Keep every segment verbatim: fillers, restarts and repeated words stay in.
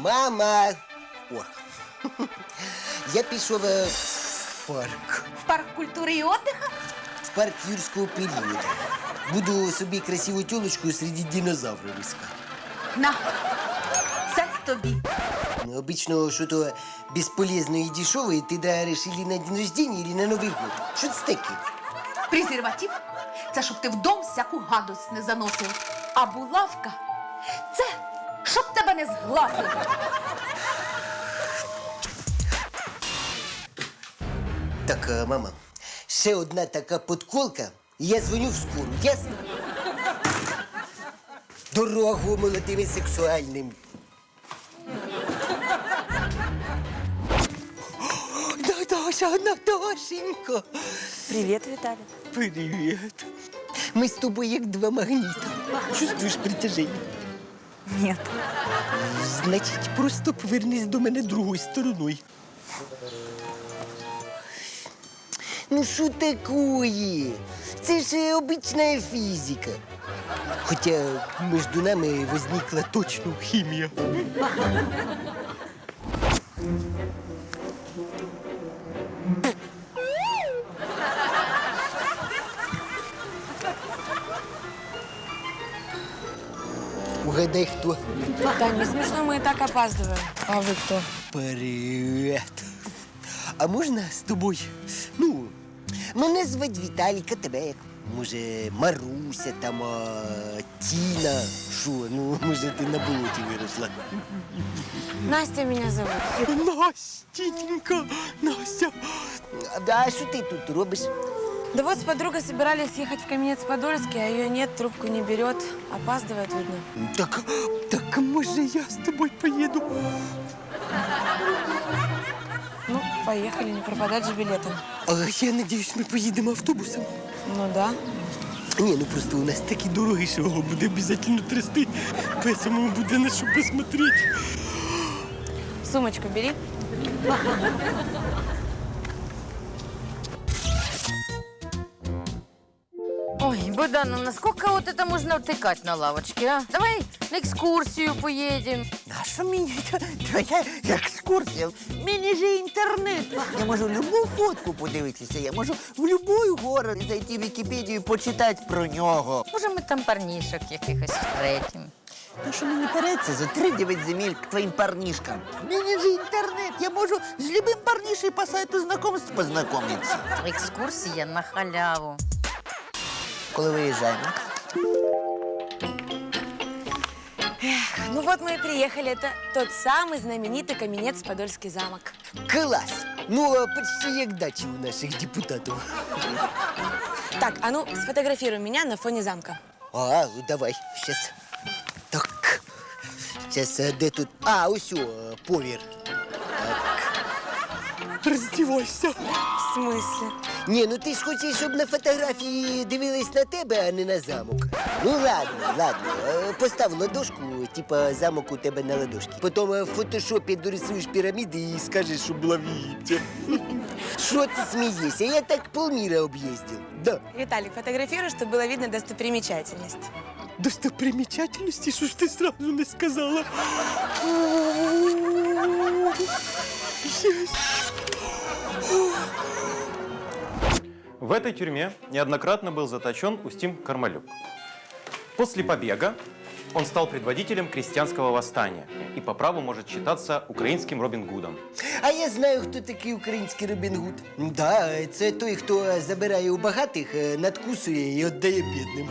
мама. О. Я пішов е, в парк. В парк культури і отдиха? В парк юрського періоду. Буду собі красиву тілочку серед динозаврів іскати. На, це тобі. Ну, обычно что-то бесполезное и дешевое ты даришь или на день рождения, или на Новый год. Что это таке? Презерватив – це щоб ти в дом всяку гадость не заносив. А булавка – це щоб тебе не зглазили. Так, а, мама, ще одна така подколка, і я дзвоню в скору, ясно? Дорогу молодим і сексуальним. Наташа, Наташенька! Привет, Виталий. Привіт. Ми з тобою як два магніта. Чувствуєш притяження? Нет. Значить, просто повернись до мене другою стороною. Ну що такое? Це ж е, обична фізика. Хоча між нами возникла точно хімія. Угадай, хто? Тань, не смешно, мы и так опаздываем. А вы кто? Привіт. А можна з тобою? Ну, мене звати Віталіка, тебе як? Може, Маруся там, а, Тіна. Що, ну, може, ти на болоті виросла? Настя меня зовут. Настенька, Настя. А що ти тут робиш? Да вот с подругой собирались ехать в Каменец-Подольский, а ее нет, трубку не берет. Опаздывает, видно. Так, так, може, я з тобою поїду? Ну, поехали, не пропадать же билетом. А я надіюсь, ми поїдемо автобусом. Ну да. Ні, ну просто у нас такі дороги, що його буде обов'язково трясти. Поэтому буде на що посмотрети. Сумочку бери. Ой, Богдан, ну насколько вот это можно втыкать на лавочке, а? Давай на экскурсию поедем. А що мені твоя екскурсія? Мені же інтернет. Я можу любу фотку подивитися, я можу в будь-який город зайти в Вікіпедію і почитати про нього. Може, ми там парнішок якихось встретим. Та що мені переться за три-дев'ять земель к твоїм парнішкам? Мені же інтернет, я можу з любим парнішем по сайту знакомств познайомитися. Екскурсія на халяву. Коли виїжджаємо? Ну вот мы и приехали. Это тот самый знаменитый Каменец-Подольский замок. Клас! Ну, а почти як дачі у наших депутатів. Так, а ну сфотографируй меня на фоне замка. А, ну давай, щас. Так. Щас, а де тут? А, ось о, повір. Так. Роздівайся. В смысле? Ні, ну ти ж хочеш, щоб на фотографії дивились на тебе, а не на замок. Ну ладно, ладно. Е, Постав ладошку, типа замок у тебе на ладошці. Потім е, в фотошопі дорисуєш піраміди і скажеш, що була в Єгипті. Що ти смієшся? Я так полміра об'їздив. Да. Виталик, фотографируй, чтобы было видно достопримечательность. Достопримечательности? Що ж ти сразу не сказала? В этой тюрьме неоднократно был заточен Устим Кармалюк. После побега он стал предводителем крестьянского восстания и по праву может считаться украинским Робин Гудом. А я знаю, хто такий український Робін Гуд. Да, це той, хто забирає у багатих, е, надкусує і віддає бідним.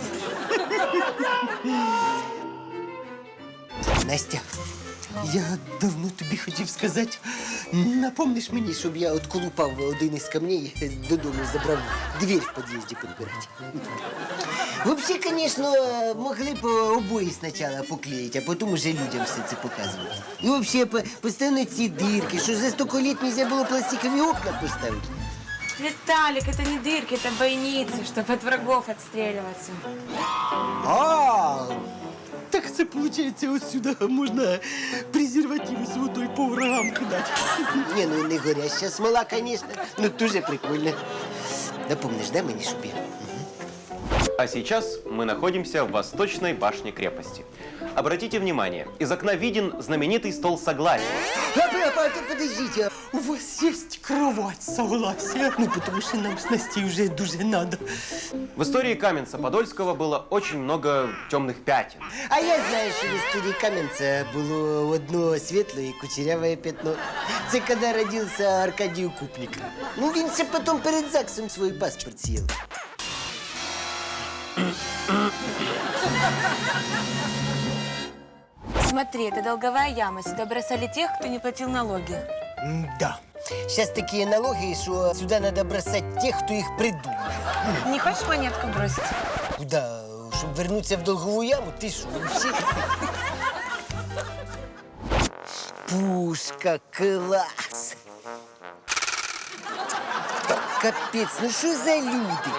Настя, я давно тобі хотів сказати, напомниш мені, щоб я отколупав один із камней, додому забрав двері в під'їзді підбирати. Взагалі, звісно, могли б обої спочатку поклеїти, а потім уже людям все це показувати. І взагалі, по- постійно ці дирки, що за сто літ нельзя було пластикові окна поставити. Виталик, это не дырки, это бойницы, чтобы от врагов отстреливаться. А, так це, виходить, ось сюди можна презервативи з водою по врагам кидати. Ні, ну не горяща смола, звісно, ну дуже прикольно. Напомниш, да, мені, щоб я? А сейчас мы находимся в восточной башне крепости. Обратите внимание, из окна виден знаменитый стол согласия. А, а, а, подождите, у вас есть кровать согласия? Ну, потому что нам с Настей уже дуже надо. В истории Каменца-Подольского было очень много темных пятен. А я знаю, що в історії Кам'янця було одно світле і кучеряве пятно. Це коли родився Аркадій Укупник. Ну, він ще потім перед ЗАГСом свій паспорт з'їв. Смотри, это долговая яма. Сюда бросали тех, кто не платил налоги. Да. Сейчас такие налоги, что сюда надо бросать тех, кто их придумал. Не хочешь монетку бросить? Куда? Чтобы вернуться в долговую яму? Ты что, вообще? Пушка, класс! Капец, ну что за люди?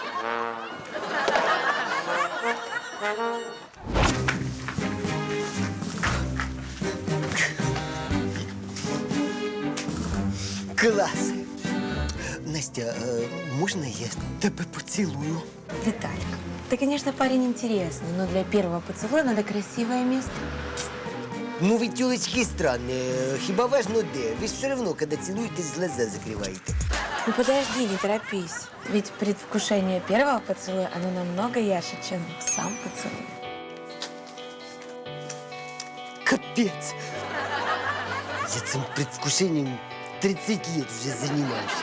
Класс! Настя, э, можно я тебя поцелую? Виталик, ты, конечно, парень интересный, но для первого поцелуя надо красивое место. Ну, вы, тёлочки, странные. Хиба важно где? Вы все равно, когда целуетесь, глаза закрываете. Ну подожди, не торопись. Ведь предвкушение первого поцелуя, оно намного ярче, чем сам поцелуй. Капец! Я этим предвкушением тридцать лет уже занимаюсь.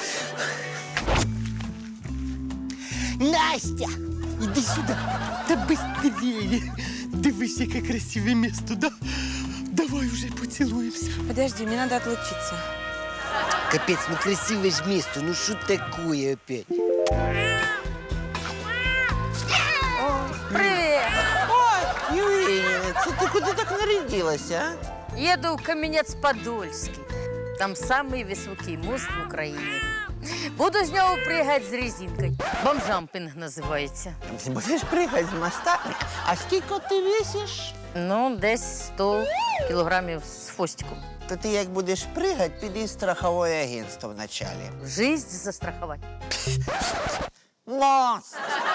Настя! Иди сюда! Да быстрее! Дивись, яке красиве место, да? Давай уже поцелуемся. Подожди, мне надо отлучиться. Капец, ну красивое ж место, ну что такое опять? Привет! Ой, Євгенія, це ти куди так нарядилася, а? Еду в Каменец-Подольский. Там самый высокий мост в Украине. Буду з нього пригати з резинкою. Бомжампінг називається. Ти будеш пригати з моста? А скільки ти весиш? Ну, десь сто кілограмів з хвостиком. То ти як будеш пригати, піди в страхове агентство вначалі. Жизнь застрахувати. Мост!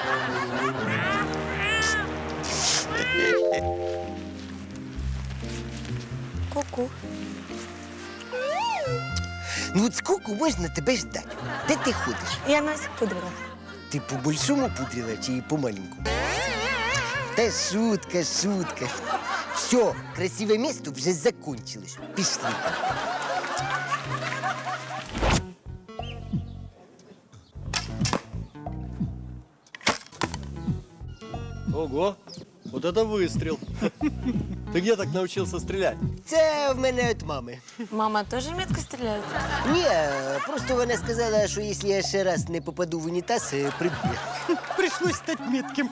Ку-ку. Ну вот сколько можно тебя ждать? Де ти ходиш? Я носик пудрила. Ти по-большому пудрила чи по-маленькому? Та шутка, шутка. Все, красивое место вже закончилось. Пішли. Ого, вот это выстрел. Ты где так научился стрелять? Це в мене від мами. Мама тоже метко стреляет? Ні, просто вона сказала, що якщо я ще раз не попаду в унітаз, е, приб'є. Прийшлось стати метким.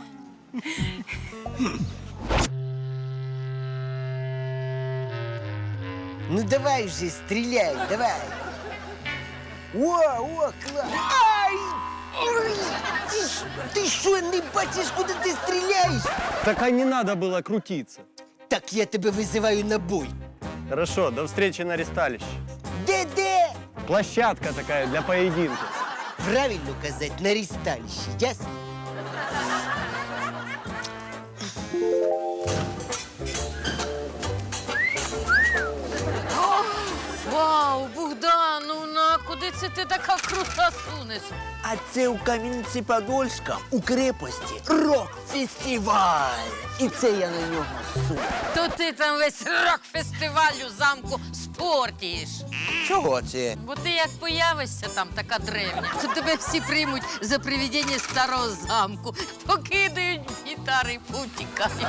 Ну давай вже, стріляй, давай. О, о, клас. Ай! Ой! Ти ж- Ти що, не бачиш, куди ти стріляєш? Так а не надо было крутиться. Так я тебе визиваю на бой. Хорошо, до встречи на ресталище. Де-де? Площадка такая для поединка. Правильно казати, на ресталище, ясно? Вау, Богдановна, куди це ти така крута сунеш? А це у Кам'янці-Подольська у крепості рок-фестиваль. І це я на нього су. То ти там весь рок-фестиваль у замку спортіш. Чого це? Бо ти як появишся там така древня, то тебе всі приймуть за привидіння старого замку, покидають гітари і повтікають.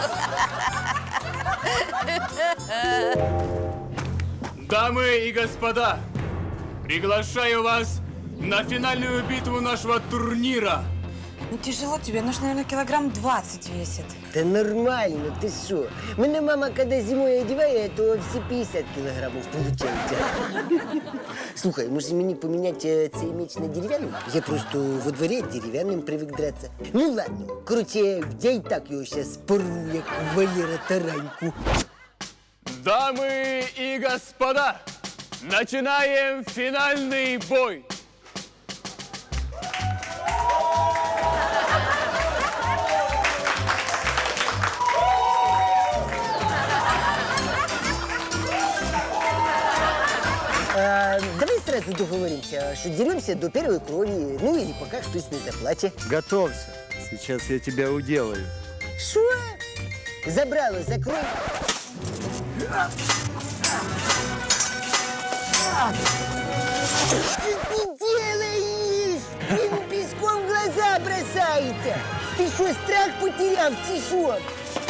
Дамы и господа, приглашаю вас на финальную битву нашего турнира. Ну тяжело тебе, нужно, наверное, килограмм двадцать весит. Та нормально, ти що? Мене мама, коли зимою одягає, то всі п'ятдесят кілограмів виходить. Слухай, може мені поміняти е, цей меч на дерев'яний? Я просто во дворі дерев'яним привик драться. Ну ладно, короче, я і так його зараз порву, як Валера Тараньку. Дамы и господа, начинаем финальный бой. сразу договоримся, что деремся до первой крови, ну или пока хтось не заплаче. Готовься. Сейчас я тебя уделаю. Что? Забрало, закрой. Что ты делаешь? Ему песком в глаза бросается. Ты что, страх потерял, тишок?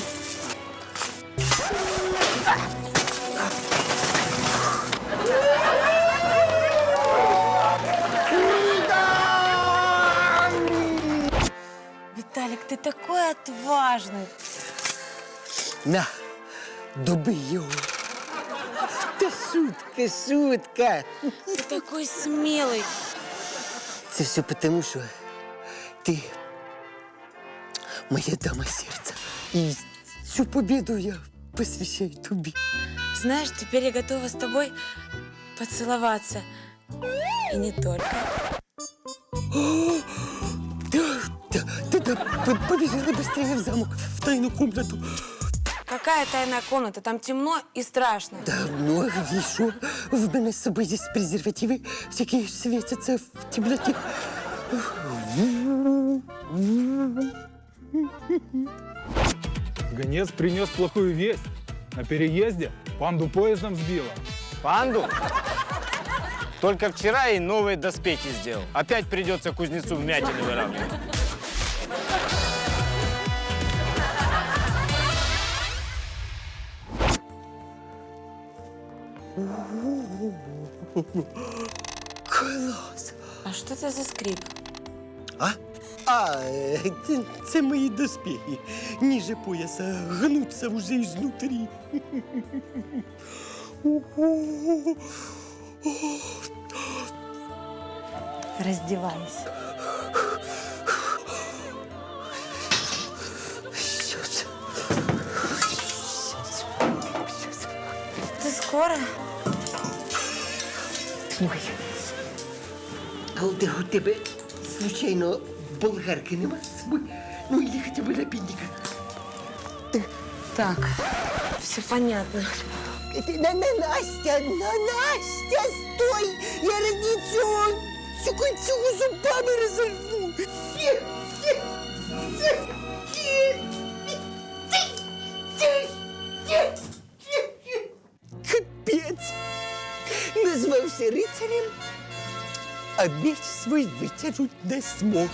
Виталик, ты такой отважный. На, доби його. Та шутка, шутка. Ты такой смелый. Це все потому, що ти моя дама сердца. І цю победу я посвящаю тобі. Знаешь, теперь я готова с тобой поцеловаться. И не только. Да, да, да, да, п- побежали быстрее в замок, в тайную комнату. Какая тайная комната? Там темно и страшно. Да, ну а где еще? В мене з собою есть презервативы, всякие светятся в темноте. Гонец принес плохую весть. На переезде панду поездом сбила. Панду? Только вчера ей новые доспехи сделал. Опять придется кузнецу вмятины выравнивать. Клас! А что это за скрип? А? А, е, це, це мої доспехи. Ниже пояса гнуться уже изнутри. Раздевайся. Сейчас. Ты скоро? Слухай, а у те- у тебе, случайно, болгарки нема з собою? Ну, или хотя бы напильника. Так, все понятно. На, на, Настя, на, Настя, стой! Я ради цього, цього, цього зубами розорву. Ні, ні, ні, ні, ні, ні, ні, ні. Капець! Назвався рицарем, а меч свій витягнуть не змог.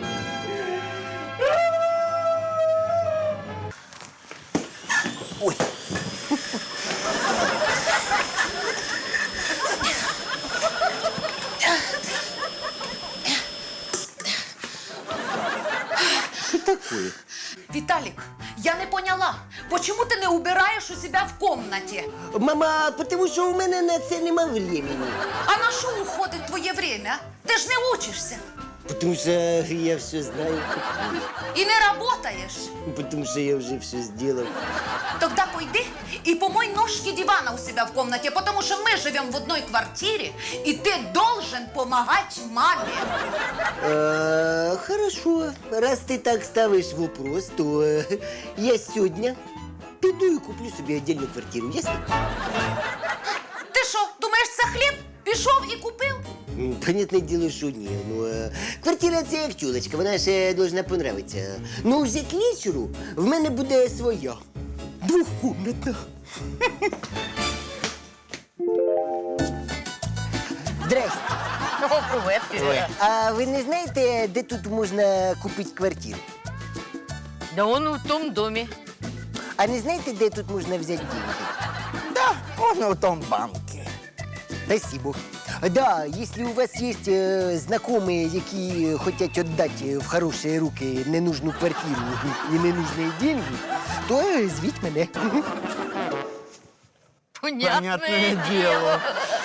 Ой. Что такое? Виталик, я не поняла, почему ты не убираешь у себя в комнате? Мама, потому що у мене на це нема времени. А на что уходит твое время? Ты ж не учишься Потому что я все знаю. и не работаешь. Потому что я уже все сделал. Тогда пойди и помой ножки дивана у себя в комнате, потому что мы живем в одной квартире, и ты должен помогать маме. А, хорошо. Раз ты так ставишь вопрос, то э, я сегодня піду и куплю себе отдельную квартиру, ясно? Ти що, думаєш, це хліб? Пішов і купив? М, Понятное дело, что ні. Ну, е, квартира це як тюлечка, вона ще должна понравитися. Ну, вже к вечору в мене буде своя. Двухкомнатна. Здрасте. О, привет, Кирилл. А ви не знаєте, де тут можна купити квартиру? Да он в том доме. А не знаєте, де тут можна взяти деньги? Да, можно в том банке. Спасибо. Да, если у вас есть э, знакомые, які хотят отдать в хорошие руки ненужную квартиру и ненужные деньги, то э, звіть мене. Понятное, дело.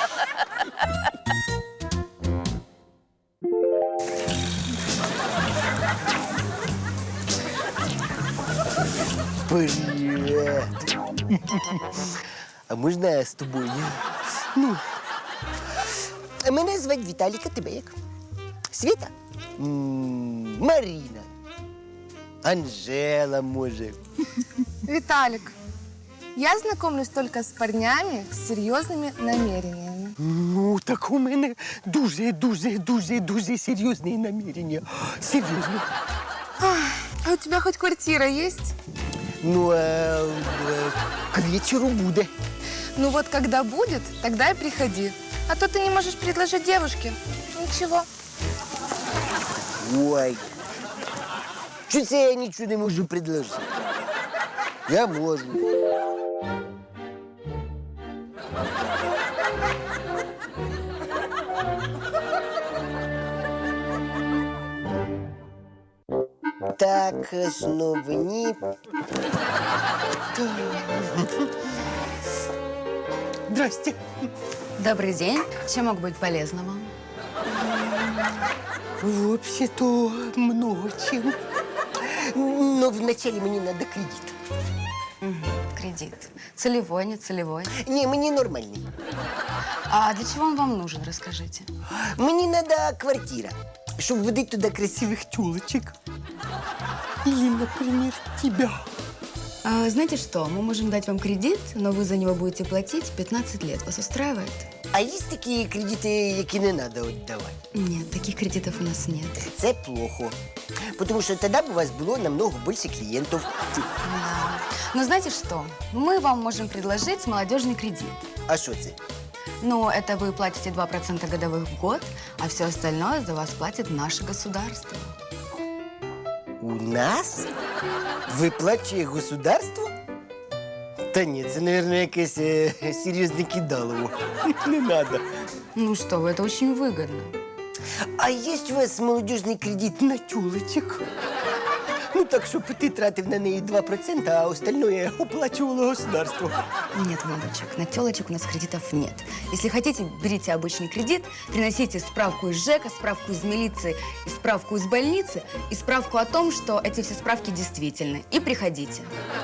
Привет. А можна з тобою? Ну, мене звати Віталік, а тебе як? Світа? М, Маріна. Анжела, може. Виталик, Я знакомлюсь только с парнями с серьезными намерениями. Ну, так у мене дуже, дуже, дуже, дуже серйозні намірення. Серйозно. А у тебя хоть квартира есть? Ну, а, е, к вечору буде. Ну вот когда будет, тогда и приходи. А то ты не можешь предложить девушке. Ничего. Ой. Що це я нічого не можу предложити? Я можу. Так, основні. Здрасте. Добрый день. Чем могу быть полезна вам? Вообще-то много чем. Но вначале мне надо кредит. Кредит. Целевой, не целевой. Не, мне нормальный. А для чего он вам нужен, расскажите. Мне надо квартира, чтобы водить туда красивых тёлочек. Или, например, тебя. А, знаете что, мы можем дать вам кредит, но вы за него будете платить пятнадцать лет. Вас устраивает? А є такі кредити, які не треба віддавати? Нет, таких кредитов у нас нет. Це плохо. Тому що тоді б у вас було намного більше клієнтів. Да. Но знаете что, мы вам можем предложить молодежный кредит. А що це? Ну, это вы платите два процента годовых в год, а все остальное за вас платит наше государство. У нас? Виплачує государство? Та ні, це, мабуть, якесь е, серйозне кидалово. Не треба. Ну что вы, это очень выгодно. А є у вас молодіжний кредит на тюлечок? Ну так, щоб ти тратив на неї два процента, а остальное оплачувало государство. Нет, молодочек, на телочек у нас кредитов нет. Если хотите, берите обычный кредит, приносите справку из ЖЭКа, справку из милиции, и справку из больницы, и справку о том, что эти все справки действительны. И приходите.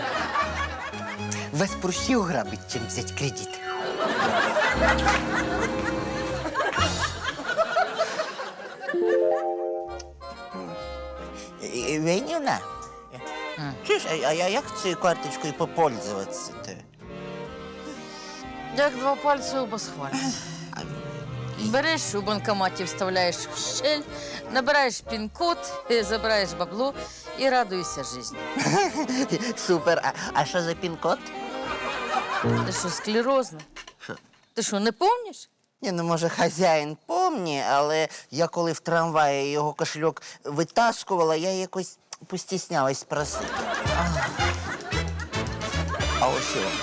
Вас проще ограбить, чим взяти кредит. Венюна, чуєш, а, а я- як цією карточкою попользуватися-то? Як два пальці оба схвалять. Береш у банкоматі, вставляєш в щель, набираєш пін-код, е, забираєш бабло і радуйся житті. Супер. А, а що за пін-код? Ти що, склерозна? Ти що, не пам'ятаєш? Ні, ну, може, хазяїн помні, але я коли в трамваї його кошельок витаскувала, я якось постіснялась просити. А, а ось його.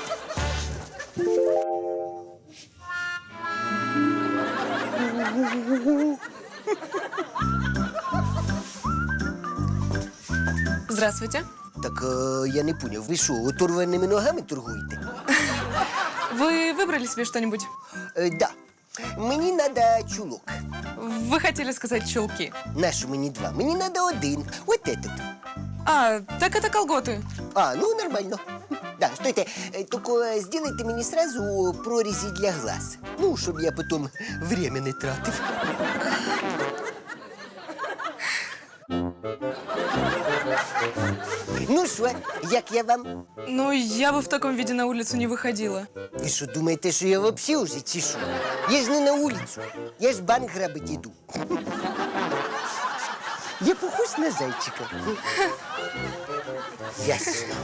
Здравствуйте. Так е, я не поняв, ви що, оторваними ногами торгуєте? Вы выбрали себе что-нибудь? Е, да. Мені треба чулок. Вы хотели сказать чулки. Нащо мені два? Мені треба один. От этот. А, так это колготы. А, ну нормально. Да, стойте, е, тільки зробите мені сразу прорізі для глаз. Ну, щоб я потім время не тратив. Ну що, як я вам? Ну, я бы в таком виде на улицу не выходила. Ви що, думаєте, що я взагалі вже чи що? Я ж не на вулицю, я ж банк грабить іду. Я похож на зайчика. Ясно.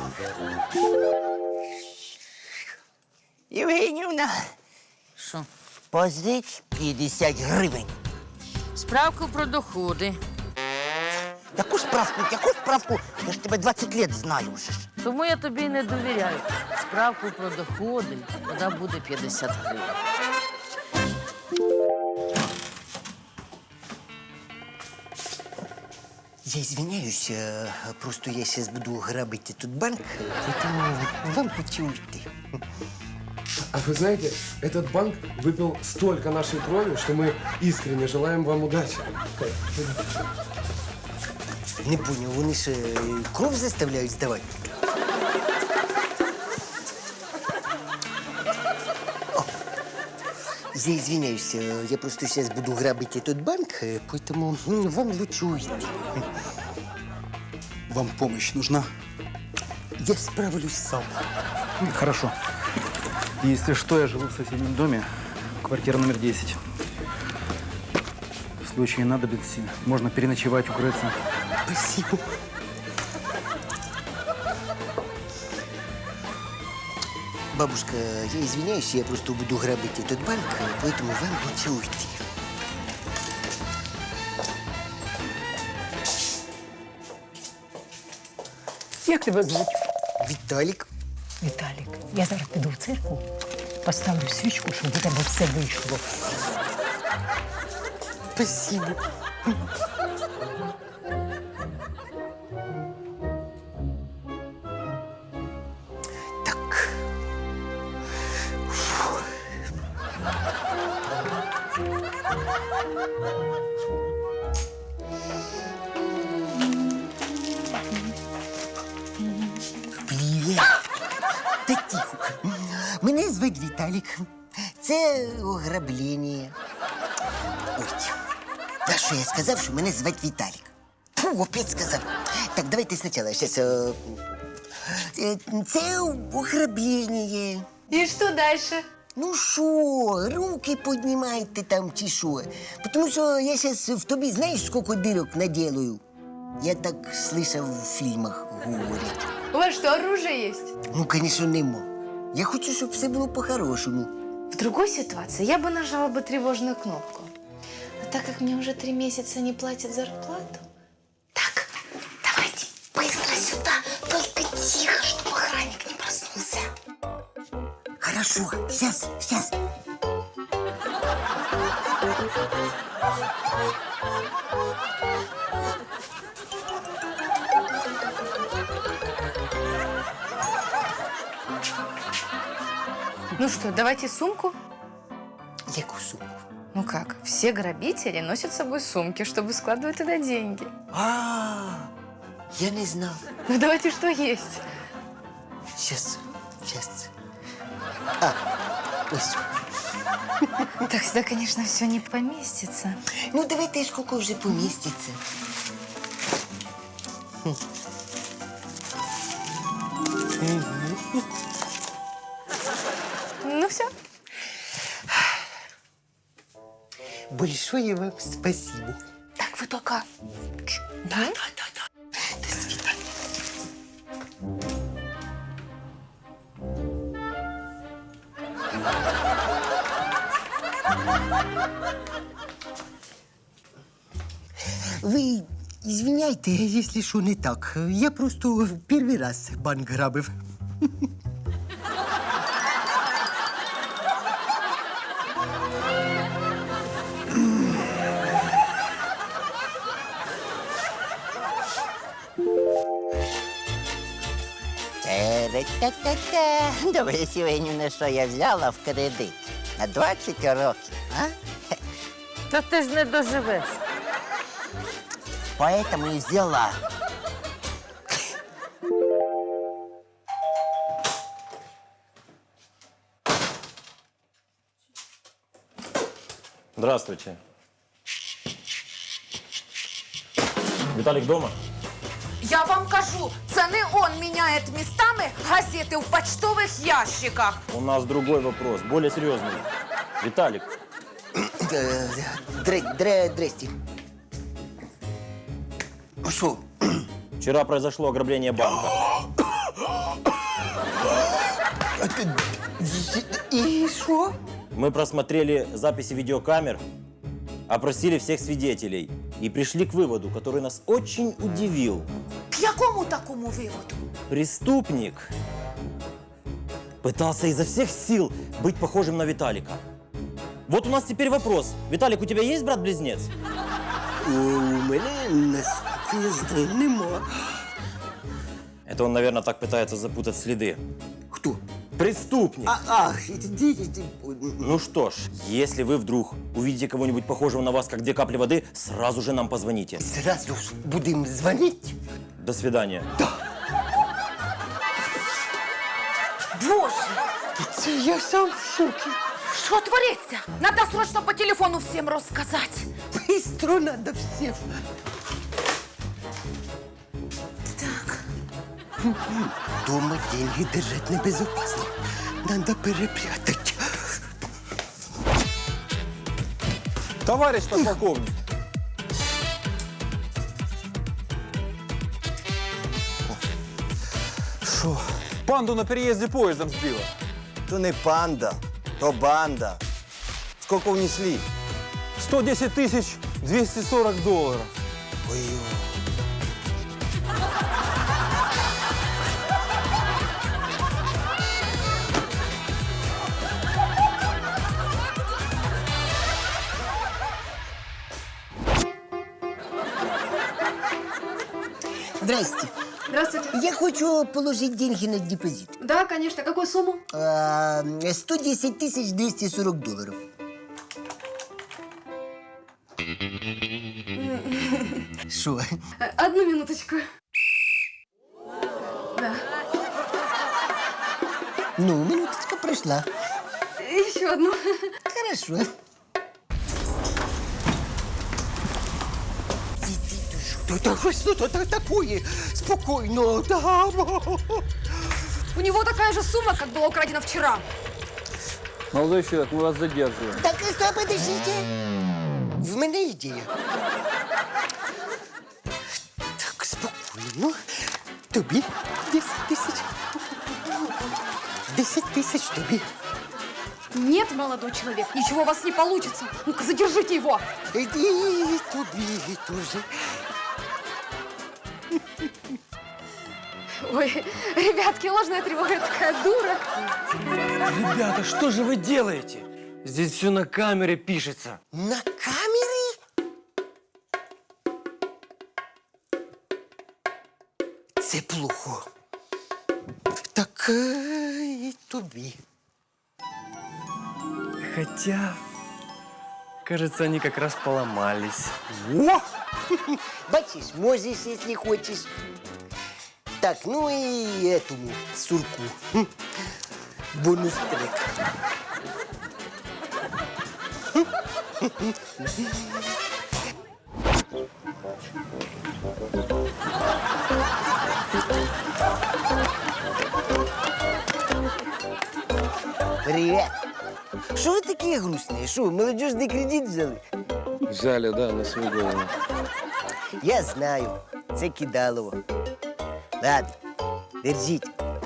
Євгенівна, Що? позич п'ятдесят гривень. Справку про доходи. Яку справку, яку справку? Я ж тебе двадцять років знаю вже ж. Тому я тобі не довіряю. Справку про доходи, вона буде п'ятдесят гривень. Я извиняюсь, э, просто я сейчас буду грабить этот банк, поэтому вам лучше уйти. А вы знаете, этот банк выпил столько нашей крови, что мы искренне желаем вам удачи. Не понял, вони ж э, кров заставляють здавати? О, я извиняюсь, э, я просто сейчас буду грабить этот банк, э, поэтому м, вам лучше уйти. Вам помощь нужна? Я справлюсь сам. Хорошо. Если что, я живу в соседнем доме, квартира номер десять. В случае надобности можно переночевать, укрыться. Спасибо. Бабушка, я извиняюсь, я просто буду грабить этот банк, поэтому вам лучше уйти. Як тебе звуть? Віталік. Віталік, я зараз піду в церкву, поставлю свічку, щоб у тебе все вийшло. Спасибо. Так. Фу. Привіт. Та тихо. Мене звуть Віталік. Це ограблення. Ой, та що я сказав, що мене звати Віталік? Фу, опять сказав. Так, давайте спочатку. Щас, е, е, це ограблення. И что дальше? Ну що, руки піднімайте там чи що? Тому що я зараз в тобі знаєш, скільки дирок наделаю? Я так слышав в фільмах говорять. У вас что, оружие есть? Ну, звісно, нема. Я хочу, щоб все було по-хорошому. В другой ситуации я бы нажала бы тревожную кнопку. А так как мне уже три месяца не платят зарплату... Так, давайте быстро сюда, только тихо, чтобы охранник не проснулся. Хорошо, сейчас, сейчас. Ну что, давайте сумку? Яку сумку? Ну как, все грабители носят с собой сумки, чтобы складывать туда деньги. А, я не знал. Ну давайте что есть. Сейчас, сейчас. А, ось. Так сюда, конечно, все не поместится. Ну, давайте сколько уже поместится. Хм. Ну все. Большое вам спасибо. Так, вы только... Да, да, да, да. До свидания. Ви извиняйте, якщо що не так. Я просто перший раз банк грабив. Та-та-та-та. Добре, сьогодні на що я взяла в кредит? На двадцять років, а? Та ти ж не доживеш. Поэтому и взяла. Здравствуйте. Виталик дома? Я вам кажу, це не он міняє містами газети в почтових ящиках. У нас другой вопрос, более серьезный. Виталик, Дре, дре, здрасте. Що? вчера произошло ограбление банка. І що? Мы просмотрели записи видеокамер, опросили всех свидетелей и пришли к выводу, который нас очень удивил. К якому такому виводу? Преступник пытался изо всех сил быть похожим на Виталика. Вот у нас теперь вопрос. Виталик, у тебя есть брат-близнец? У мене, наскільки я знаю, нема. Это он, наверное, так пытается запутать следы. Кто? Преступник. А, ах, это дети. Ну что ж, если вы вдруг увидите кого-нибудь похожего на вас, как две капли воды, сразу же нам позвоните. Сразу ж будем звонить? До свидания. Боже, Це я сам в шокі. що твориться? Надо срочно по телефону всім розказати. Быстро надо всем. Так, Дома деньги держать небезопасно. Надо перепрятать. Товарищ подполковник. Що? Панду на переезде поездом сбила. То не панда, то банда. Сколько внесли? сто десять тысяч двести сорок долларов. Ой, Здрасте. Здравствуйте. Я хочу положить деньги на депозит. Да, конечно. Какую сумму? А, сто десять тысяч двести сорок долларов. Что? Одну минуточку. Да. Ну, минуточка прошла. Еще одну. Хорошо. Да, да, что это такое? Спокойно, да. У него такая же сумма, как была украдена вчера. Молодой человек, мы вас задерживаем. Так, стоп, подождите. В мене ідея. Так, спокійно. Тобі десять тисяч. десять тысяч тобі. Нет, молодой человек, ничего у вас не получится. Ну-ка, задержите его. Иди тобі тоже. Ой, ребятки, ложная тревога, я такая дура. Ребята, что же вы делаете? Здесь все на камере пишется. На камери? Це плохо. Так е, і тобі. Хотя, кажется, они как раз поломались. О! Бачиш, можеш, якщо хочеш. Так, ну і этому сурку. Хм. Бонус трек. Привет. Що ви такі грустні? Що, молодіжний кредит взяли? Взяли, да, на свою голову. Я знаю, це кидалово. Ладно, держіть.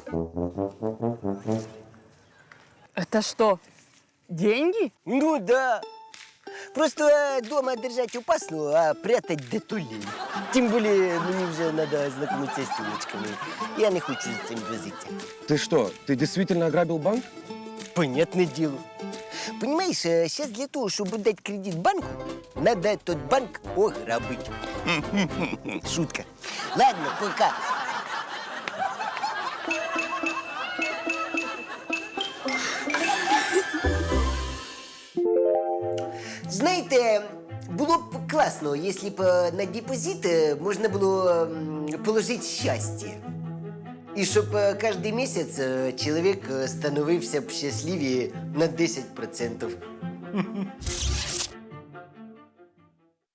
Это что, деньги? Ну да. Просто э, дома держать опасно, а прятать детолей. Тем более мне уже надо знакомиться с телочками. Я не хочу с этим возиться. Ты что, ты действительно ограбил банк? Понятное дело. Понимаешь, сейчас для того, чтобы дать кредит банку, надо этот банк ограбить. Шутка. Ладно, пока. Знаєте, було б класно, якщо б е, на депозит е, можна було м, положити щастя. І щоб е, кожен місяць е, чоловік е, становився б щасливіше на десять процентів.